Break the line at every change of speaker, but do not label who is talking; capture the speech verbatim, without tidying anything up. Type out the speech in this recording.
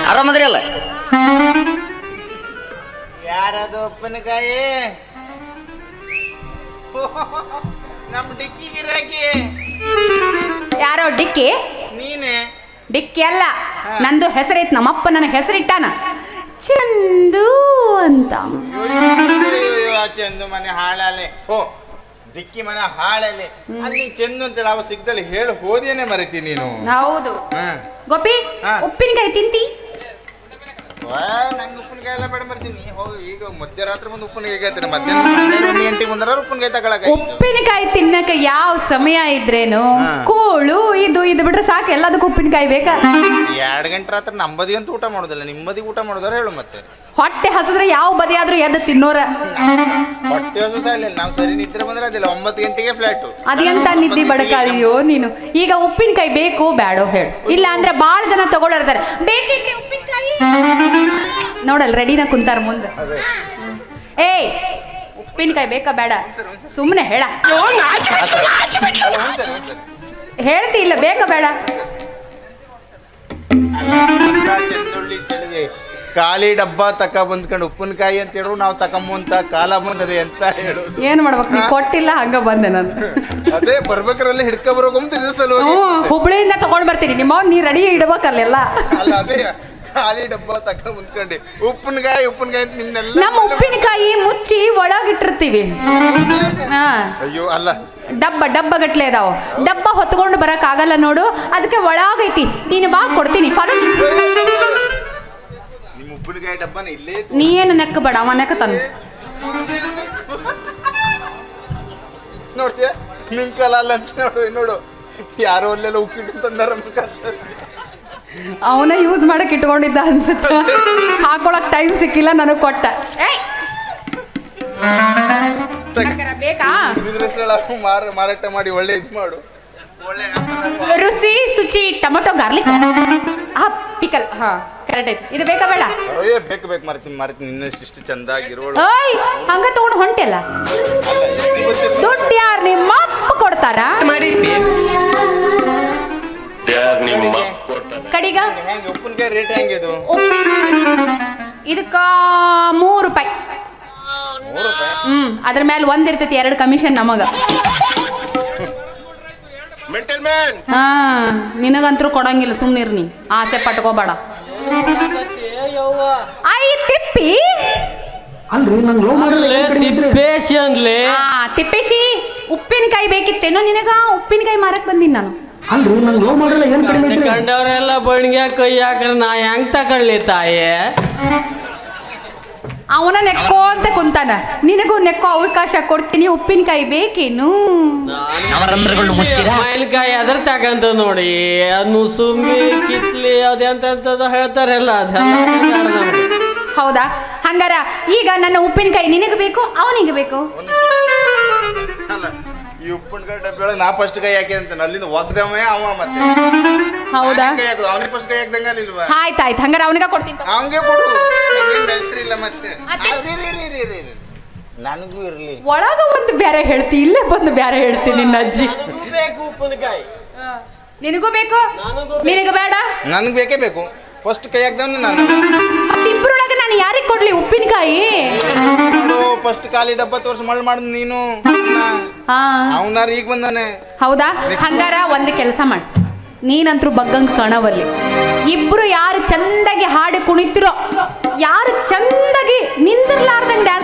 ಆರಾಮದ್ರಿ ಅಲ್ಲ?
ಯಾರದು ಉಪ್ಪಿನಕಾಯಿ? ನಮ್ಮ ಡಿಕ್ಕಿ ಗಿರಾಕಿ
ಯಾರೋ ಡಿಕ್ಕಿ?
ನೀನೆ.
ಡಿಕ್ಕಿ ಅಲ್ಲ, ನಂದು ಹೆಸರೈತ್. ನಮ್ಮಪ್ಪ ನನಗೆ ಹೆಸರಿಟ್ಟಾನ ಚಂದು ಅಂತ.
ಚಂದು ಮನೆ ಹಾಳಲೆ. ಓ ದಿಕ್ಕಿ ಮನೆ ಹಾಳಲೆ. ಅಲ್ಲಿ ಚಂದು ಅಂತೇಳಿ ಅವ ಸಿಗ್ದಳಿ ಹೇಳಿ ಹೋದೇನೆ ಮರಿತಿ ನೀನು.
ಹೌದು. ಗೋಪಿ, ಉಪ್ಪಿನಕಾಯಿ ತಿಂತಿ?
ನಂಗೆ ಉಪ್ಪಿನಕಾಯಿ ಎಲ್ಲ ಬೇಡ ಮರ್ತೀನಿ. ಹೋಗಿ ಈಗ ಮಧ್ಯರಾತ್ರಿ ಮುಂದೆ ಉಪ್ಪಿನಕಾಯಿ ಹೇಳ್ತೀನಿ. ಮಧ್ಯಾಹ್ನ ಒಂದು ಗಂಟೆಗೆ ಮುಂದಾರ ಉಪ್ಪಿನಕಾಯಿ ತಗೊಳಕ.
ಉಪ್ಪಿನಕಾಯಿ ತಿನ್ನಕ ಯಾವ ಸಮಯ ಇದ್ರೇನು ಕೂಳು ಇದು ಇದು ಬಿಟ್ರೆ ಸಾಕು, ಎಲ್ಲದಕ್ಕೂ ಉಪ್ಪಿನಕಾಯಿ ಬೇಕಾ?
ಎರಡು ಗಂಟೆ ರಾತ್ರಿ ನಮ್ಮದಿ ಅಂತ ಊಟ ಮಾಡೋದಿಲ್ಲ, ನಿಮ್ಮದಿ ಊಟ ಮಾಡೋದಾರ ಹೇಳು. ಮತ್ತೆ
ಹೊಟ್ಟೆ ಹಸಿದ್ರೆ ಯಾವ ಬದಿ ಆದ್ರೂ ಎದ್ದು ತಿನ್ನೋರ.
ಹೊಟ್ಟೆ ಹಸು ಇಲ್ಲ, ನಾವು ಸರಿ ನಿದ್ರೆ ಬಂದ್ರೆ ಅದಿಲ್ಲ. ಒಂಬತ್ತು ಗಂಟೆಗೆ ಫ್ಲಾಟ್.
ಅದೆಂತ ನಿದ್ದೆ ಬಡಕಾದಿಯೋ ನೀನು. ಈಗ ಉಪ್ಪಿನಕಾಯಿ ಬೇಕು ಬೇಡೋ ಹೇಳು, ಇಲ್ಲ ಅಂದ್ರೆ ಬಾಳ ಜನ ತಗೊಳಿರ್ತಾರೆ. ಬೇಕಿದ್ರೆ ಉಪ್ಪಿನಕಾಯಿ ನೋಡಲ್ ರೆಡಿನ ಕುಂತಾರ ಮುಂದೆ. ಏಯ್ ಉಪ್ಪಿನಕಾಯಿ ಬೇಕಾ ಬೇಡ? ಸುಮ್ಮನೆ ಹೇಳ. ಹೇಳ್ತಿ ಇಲ್ಲ ಬೇಕಾ ಬೇಡ?
ಖಾಲಿ ಡಬ್ಬ ತಕ ಬಂದ್ಕೊಂಡು ಉಪ್ಪಿನಕಾಯಿ ಅಂತ ಹೇಳು. ನಾವು ತಕೊಂಬಂತ ಕಾಲ ಬಂದದೆ ಅಂತ ಹೇಳು.
ಏನ್ ಮಾಡ್ಬೇಕು? ನೀ ಕೊಟ್ಟಿಲ್ಲ ಹಂಗ ಬಂದೆ ನಾನು.
ಅದೇ ಬರ್ಬೇಕ್ರಲ್ಲ ಹಿಡ್ಕೊ ಬರೋಕಂತ ಸಲುವಾಗಿ
ಹುಬ್ಳಿಯಿಂದ ತಗೊಂಡ್ ಬರ್ತೀನಿ. ನಿಮ್ಮ ನೀ ರೆಡಿ ಇಡ್ಬೇಕಲ್ಲೆಲ್ಲ.
ಅಲ್ಲ ಅದೇ ಖಾಲಿ ಡಬ್ಬ ತಕ ಬಂದ್ಕೊಂಡೆ ಉಪ್ಪಿನಕಾಯಿ ಉಪ್ಪಿನಕಾಯಿ ನಿನ್ನೆಲ್ಲ.
ನಮ್ಮ ಉಪ್ಪಿನಕಾಯಿ ಮುಚ್ಚಿ ಒಳಗಿಟ್ಟಿರ್ತೀವಿ. ಹಾ
ಅಯ್ಯೋ ಅಲ್ಲ,
ಡಬ್ಬ ಡಬ್ಬ ಗಟ್ಲೆ ಇದಾವ. ಡಬ್ಬ ಹೊತ್ಕೊಂಡು ಬರಕ್ ಆಗಲ್ಲ ನೋಡು, ಅದಕ್ಕೆ ಒಳಗೈತಿ. ನೀನು ಬಾ ಕೊಡ್ತೀನಿ. ಫಾಲೋ.
ನಿಮ್ಮ ಉಪ್ಪಿನಕಾಯಿ ಡಬ್ಬನ ಇಲ್ಲೇ.
ನೀ ಏನು ನೆಕ್ಕ ಬೇಡ, ಅವ ನೆಕ್ಕ ತಾನು.
ನೋಡ್ತೀಯ ನಿನ್ ಕಾಲ ಅಲ್ಲ ಅಂತ ನೋಡು. ನೋಡು ಯಾರೋ ಅಲ್ಲೆಲ್ಲ ಉಗ್ಸಿಟ್ಟು ತಂದಾರ.
ಅವನ ಯೂಸ್ ಮಾಡಕ್ ಇಟ್ಕೊಂಡಿದ್ದ ಅನ್ಸುತ್ತೆ. ಹಾಕೊಳಕ್ ಟೈಮ್ ಸಿಕ್ಕಿಲ್ಲ, ನನಗ್ ಕೊಟ್ಟ. ಬೇಕಾ?
ಮಾರಾಟ ಮಾಡಿ ಒಳ್ಳೆ ಇದು ಮಾಡು.
ರುಚಿ ಸುಚಿ ಟೊಮೊಟೊ ಗಾರ್ಲಿಕ್ ಹಾ ಪಿಕಲ್. ಹಾ ಕರೆಕ್ಟ್ ಐತಿ. ಇದು ಬೇಕಾ ಬೇಡ?
ಅಯ್ಯೋ ಬೇಕು ಬೇಕು ಮರ್ತೀನಿ ಮರ್ತೀನಿ. ಇನ್ನಷ್ಟು ಇಷ್ಟು ಚಂದಾಗಿರೋಳು.
ಓಯ್ ಹಂಗ ತಗೊಂಡು ಹೊಂಟೆಲ್ಲ. ದುಡ್ಡು ಯಾರು ನಿಮ್ಮ ಅಪ್ಪ ಕೊಡ್ತಾರ? ಕಡಿಗ
ಹೆಂಗೆ ಉಪ್ಪಿನಕಾಯಿ ರೇಟ್ ಹೆಂಗೆ ಇದು?
ಇದಕ್ಕ ಮೂರು ರೂಪಾಯಿ. ಹ್ಮ್ ಅದ್ರ ಮೇಲೆ ಒಂದ್ ಇರ್ತೈತಿ, ಎರಡು ಕಮಿಷನ್ ನಮಗ. ಹಾ ನಿನಗಂತರೂ ಕೊಡಂಗಿಲ್ಲ, ಸುಮ್ನಿರ್ ನೀ. ಆಸೆ ಪಟ್ಕೋಬೇಡ. ಆಯ್ ತಿಪ್ಪಿ
ಅಲ್ರಿ ನಂಗೆ ಲೋ ಮಾಡಲ್ಲ.
ತಿಪ್ಪೇಶಿ ಉಪ್ಪಿನಕಾಯಿ ಬೇಕಿತ್ತೇನೋ ನಿನಗ? ಉಪ್ಪಿನಕಾಯಿ ಮಾರಕ್ ಬಂದೀನಿ ನಾನು.
ಅಲ್ರಿ ನಂಗೆ ಲೋ ಮಾಡಲ್ಲ ಏನ್ ಕಡಿಮೆ ಐತ್ರಿ?
ಕಂಡವ್ರೆಲ್ಲ ಬಣ್ಗ್ಯಾ ಕೈ ಹಾಕ್ರೆ ನಾ ಹೆಂಗ್ ತಕೊಳ್ಳಿ ತಾಯೇ?
ಅವನ ನೆಕ್ಕೋ ಅಂತ ಕುಂತಾನ. ನಿನಗೂ ನೆಕ್ಕೋ ಅವಕಾಶ ಕೊಡ್ತೀನಿ. ಉಪ್ಪಿನಕಾಯಿ ಬೇಕೇನು?
ಮಾವಿನಕಾಯಿ ಅದ್ರ ತಕಂತ ನೋಡಿ. ಅನ್ನು ಸುಮ್ಮಿ ಕಿತ್ಲಿ ಅದೆಂತ ಹೇಳ್ತಾರಲ್ಲ ಅದೆಲ್ಲ.
ಹೌದಾ? ಹಂಗಾರ ಈಗ ನನ್ನ ಉಪ್ಪಿನಕಾಯಿ ನಿನಗೆ ಬೇಕು ಅವನಿಗೆ ಬೇಕು?
ಈ ಉಪ್ಪಿನಕಾಯಿ ಡಬ್ಬಿ ಒಳಗೆ ನಾ ಫಸ್ಟ್ ಕೈ ಹಾಕಿ ಅಂತ ಅಲ್ಲಿಂದ ಒಗ್ದವೇ ಅವ. ಮತ್ತೆ
ಹೌದಾ?
ಅವನಿಗೆ ಫಸ್ಟ್ ಕೈ ಹಾಕ್ದಂಗ ಇಲ್ವಾ?
ಆಯ್ತಾಯ್ತು, ಹಂಗಾರ ಅವನಿಗೆ ಕೊಡ್ತೀನಿ.
ಅವಂಗೆ ಕೊಡು. ಹೆಸರು ಇಲ್ಲ ಮತ್ತೆ ನನಗೂ ಇರ್ಲಿ.
ಒಳಗ ಒಂದು ಬೇರೆ ಹೇಳ್ತಿ, ಇಲ್ಲೇ ಬಂದು ಬೇರೆ ಹೇಳ್ತೀನಿ. ನಿನ್ನ ಅಜ್ಜಿ
ಬೇಕು ಉಪ್ಪಿನಕಾಯಿ.
ನಿನಗೂ ಬೇಕು? ನಿನಗೆ ಬೇಡ?
ನನಗೆ ಬೇಕೇ ಬೇಕು. ಫಸ್ಟ್ ಕೈ ಹಾಕ್ದವನು ನಾನು.
ಇಬ್ಬರೊಳಗೆ ನಾನು ಯಾರಿಗೆ ಕೊಡ್ಲಿ ಉಪ್ಪಿನಕಾಯಿ?
ಫಸ್ಟ್ ಖಾಲಿ ಡಬ್ಬ ತೋರ್ಸಿ ಮಳ್ ಮಾಡ್ ನೀನು. ಅವನಾರ ಈಗ ಬಂದಾನೆ.
ಹೌದಾ? ಹಂಗಾರ ಒಂದು ಕೆಲಸ ಮಾಡಿ, ನೀನಂತರೂ ಬಗ್ಗಂಗ್ ಕಾಣವಲ್ಲಿ. ಇಬ್ರು ಯಾರು ಚಂದಾಗಿ ಹಾಡಿ ಕುಣಿತಿರೋ, ಯಾರು ಚಂದಾಗಿ ನಿಂತಿರ್ಲಾರ್ದಂಗೆ ಡ್ಯಾನ್ಸ್